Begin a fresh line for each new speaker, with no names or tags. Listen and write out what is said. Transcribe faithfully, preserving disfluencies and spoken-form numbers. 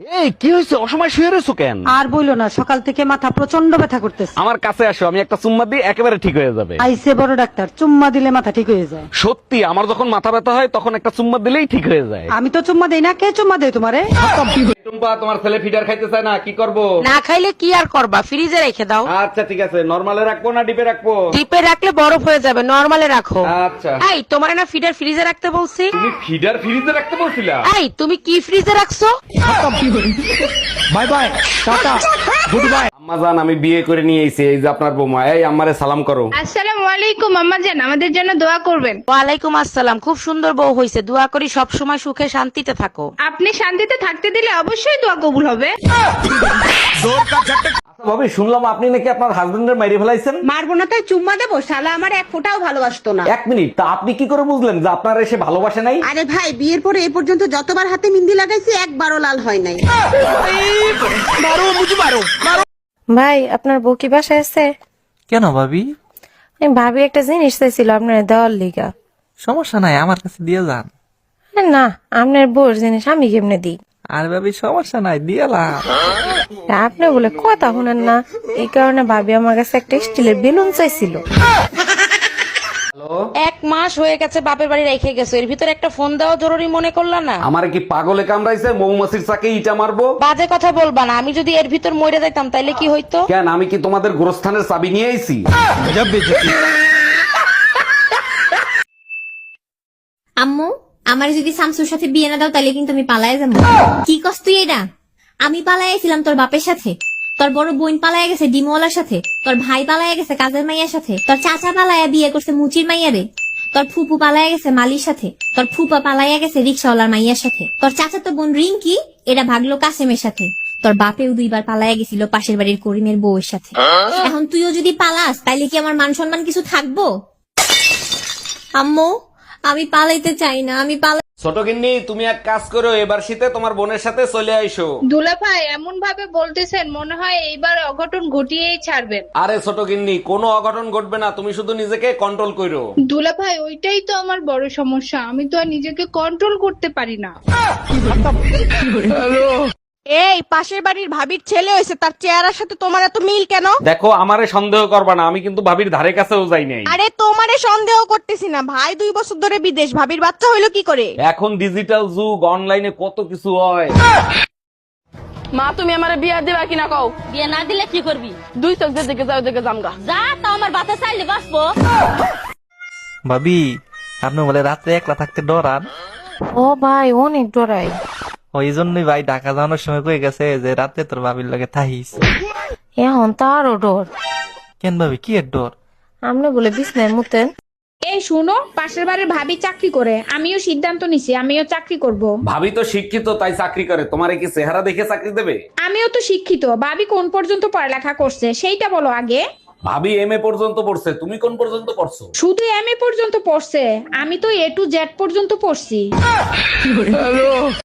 এই কি হয়েছে, অসময় শুয়ে রয়েছো কেন?
আর বইলো না, সকাল থেকে মাথা প্রচন্ড ব্যথা করতেছে।
আমার কাছে আসো, আমি একটা চুম্মা দিই, একেবারে ঠিক হয়ে যাবে।
আইসে বড় ডাক্তার, চুম্মা দিলে মাথা ঠিক হয়ে যায়।
সত্যি, আমার যখন মাথা ব্যথা হয় তখন একটা চুম্মা দিলেই ঠিক হয়ে যায়।
আমি তো চুম্মা দেই না, কে চুম্মা দেয় তোমারে?
টুম্পা, তোমার ছেলে ফিডার খাইতে চায় না, কি করব?
না খাইলে কি আর করবা, ফ্রিজে রেখে দাও।
আচ্ছা ঠিক আছে, নরমালে রাখবো না ডিপে রাখবো?
ডিপে রাখলে বরফ হয়ে যাবে, নরমালে রাখো।
আচ্ছা।
এই তোমার না ফিডার ফ্রিজে রাখতে বলছি?
তুমি ফিডার ফ্রিজে রাখতে বলছিলা?
এই তুমি কি ফ্রিজে রাখছো?
Bye bye, tata, good bye. আম্মা জান, আমি বিয়ে করে নিয়ে এসেছি, এই যে আপনার বৌমা। এই আম্মারে সালাম করো।
আসসালামু আলাইকুম আম্মা জান, আমাদের জন্য দোয়া করবেন।
ওয়ালাইকুম আসসালাম। খুব সুন্দর বউ হইছে, দোয়া করি সব সময় সুখে শান্তিতে থাকো।
আপনি শান্তিতে থাকতে দিলে অবশ্যই দোয়া কবুল হবে।
আচ্ছা ভাবি, শুনলাম আপনি নাকি আপনার হাজবেন্ডের মাইরে ফেলাইছেন।
মারবো না তাই চুম্মা দেবো? শালা আমার এক ফোঁটাও ভালোবাসতো না।
এক মিনিট, তা আপনি কি করে বুঝলেন যে আপনার এসে ভালোবাসে নাই?
আরে ভাই, বিয়ের পরে এ পর্যন্ত যতবার হাতে মিন্দি লাগাইছি একবারও লাল হয় নাই।
ভাই, আপনার বউ কি বাসায় আছে?
কেন ভাবি?
আমি ভাবি একটা জিনিস চাইছিল আপনার দেওয়ার লিগা।
সমস্যা নাই, আমার কাছে দিয়ে যান।
আরে না, আপনার বউর জিনিস আমি কেমনে দিই?
আর ভাবি সমস্যা নাই, দিয়ালাম।
আপনি বলে কথা শুনেন না, এই কারণে ভাবি আমার কাছে একটা স্টিলের বেলুন চাইছিল।
এক মাস হয়ে গেছে বাপের বাড়ি রেখে গেছো, এর ভিতরে একটা ফোন দেওয়া জরুরি মনে করলা না?
আমার কি পাগলে কামড়াইছে, মৌমাছির চাকে ইটা মারবো?
বাজে কথা বলবা না, আমি যদি এর ভিতর মরে যাইতাম তাইলে কি হইতো?
কেন, আমি কি তোমাদের গোরস্থানের চাবি নিয়ে আইছি?
আম্মু, আমার যদি শামসুর সাথে বিয়ে না দাও তাহলে কিন্তু আমি পালায়ে যাবো। কি কস তুই এটা? আমি পালাইছিলাম তোর বাপের সাথে, তোর বড় বোন পালায় গেছে ডিমওয়ালার সাথে, তোর ভাই পালায় গেছে কাজের মাইয়ার সাথে, তোর চাচা পালায়া বিয়ে করছে মুচির মাইয়ারে, তোর ফুপু পালায় গেছে মালির সাথে, তোর ফুপা পালাইয়া গেছে রিক্সাওয়ালার মাইয়ার সাথে, তোর চাচা তো বোন রিঙ্কি এটা ভাগলো কাসেমের সাথে, তোর বাপেও দুইবার পালাইয়া গেছিল পাশের বাড়ির করিমের বউয়ের সাথে। এখন তুইও যদি পালাস তাইলে কি আমার মান সম্মান কিছু থাকবো? আম্মু, আমি পালাইতে চাই না, আমি পালাই।
ছোট গিন্নি, তুমি এক কাজ করো, এবার শীতে তোমার বোনের সাথে চলে আইসো।
দুলা ভাই এমন ভাবে বলতেছেন, মনে হয় এইবার অঘটন ঘটিয়েই ছাড়বেন।
আরে ছোট গিন্নি, কোনো অঘটন ঘটবে না, তুমি শুধু নিজেকে কন্ট্রোল করো।
দুলা ভাই ওইটাই তো আমার বড় সমস্যা, আমি তো আর নিজেকে কন্ট্রোল করতে পারি না।
এই পাশের বাড়ির ভাবির ছেলে হয়েছে, তার চেহারার সাথে তোমার এত মিল কেন?
দেখো, আমারে সন্দেহ করবা না, আমি কিন্তু ভাবির ধারে কাছেও যাই নাই।
আরে তোমারে সন্দেহ করতেছি না, ভাই দুই বছর ধরে বিদেশ, ভাবির বাচ্চা হইলো কি করে?
এখন ডিজিটাল যুগ, অনলাইনে কত কিছু হয়।
মা, তুমি আমার বিয়া দিবা কিনা কও?
বিয়ে না দিলে কি করবি?
দুই চোখ যে দিকে যাও দিকে জামগা।
যা, তা আমার বাতা চাইলে বাঁচবো।
ভাবি, আপনি বলে রাত্রে একলা থাকতে ডরান?
ও ভাই, অনেক ডরাই।
ওই জন্যই ভাই ঢাকা যাওয়ানোর সময় কয়ে গেছে যে রাতে তোর ভাবির লগে থাহিস।
এখন তো আরো ডর।
কেন ভাবি, কি এর ডর?
আপনি বলে বিছনায় মুতেন।
এই শুনো, পাশের বাড়ির ভাবি চাকরি করে, আমিও সিদ্ধান্ত নিছি আমিও চাকরি করব।
ভাবি তো শিক্ষিত, তাই চাকরি করে। তোমারে কি চেহারা দেখে চাকরি দেবে?
আমিও তো শিক্ষিত, ভাবি কোন পর্যন্ত পড়ালেখা করছে সেইটা বলো আগে।
ভাবি এম এ পর্যন্ত পড়ছে, তুমি কোন পর্যন্ত পড়ছো?
শুধু এম এ পর্যন্ত পড়ছে, আমি তো এ টু জেড পর্যন্ত পড়ছি।